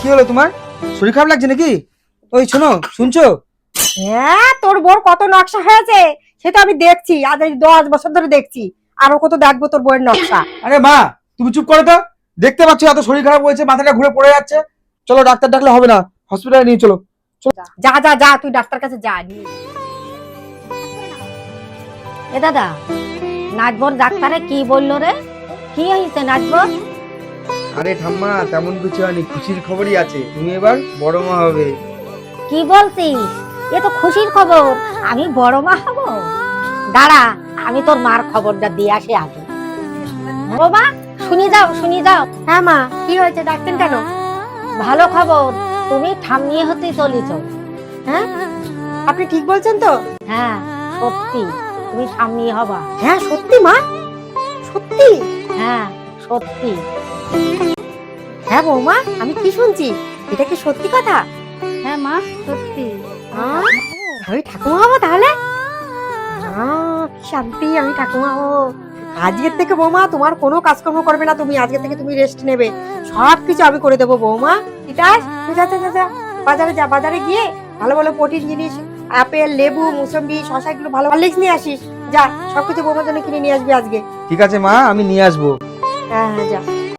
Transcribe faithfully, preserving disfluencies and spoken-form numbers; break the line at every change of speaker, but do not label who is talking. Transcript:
কি হলো তোমার? শরীর খারাপ লাগছে নাকি? ওই শোনো, শুনছো?
হ্যাঁ, তোর বোর কত নকশা হয়েছে সেটা আমি দেখছি, আজ এই দশ বছর ধরে দেখছি। আরো কত দেখবো তোর বইয়ের নকশা।
আরে মা, তুমি চুপ করো তো। দেখতে পাচ্ছ এত শরীর খারাপ হয়েছে, মাথাটা ঘুরে পড়ে যাচ্ছে। চলো ডাক্তার ডাকলে হবে না, হসপিটালে নিয়ে চলো।
যা যা যা, তুই ডাক্তার কাছে যা। নিয়ে যা।
এ দাদা, নাচবর ডাক্তারে কি বললো রে? কি হয়েছে নাচবর?
আরে ঠাম্মা, তেমন কিছু হয়নি, খুশির খবরই আছে, তুমি এবার বড় মা হবে।
কি বলছিস? এ তো খুশির খবর। আমি বড় মা হব? দাঁড়া, আমি তোর মার খবরটা দিয়ে আসি আগে। ও মা, শুনি যাও শুনি যাও।
হ্যাঁ মা, কি হয়েছে, ডাক্তার কেন?
ভালো খবর, তুমি ঠাম্মিয়ে হতে চলেছ।
হ্যাঁ, আপনি ঠিক বলছেন তো?
হ্যাঁ সত্যি, তুমি ঠাম্মি হবা।
হ্যাঁ সত্যি মা, সত্যি?
হ্যাঁ সত্যি।
হ্যাঁ বৌমা, আমি কি শুনছি, এটা কি সত্যি কথা?
হ্যাঁ মা, সত্যি।
আহ, আমি ঠাকুমা হবো তাহলে? আহ, কি শান্তি, আমি ঠাকুমা হবো। আজকের থেকে বৌমা তোমার কোনো কাজকর্ম করবে না, তুমি আজকে থেকে তুমি রেস্ট নেবে, সব কিছু আমি করে দেবো বৌমা। ঠিক আছে, যা যা, যা, যা, বাজারে যা, বাজারে গিয়ে ভালো ভালো প্রোটিন জিনিস, আপেল, লেবু, মুসম্বি, শসা, এগুলো ভালো ভালো লিস্ট নিয়ে আসিস। যা, সবকিছু বৌমার জন্য কিনে নিয়ে আসবি আজকে।
ঠিক আছে মা, আমি নিয়ে আসবো।
হ্যাঁ হ্যাঁ, যা।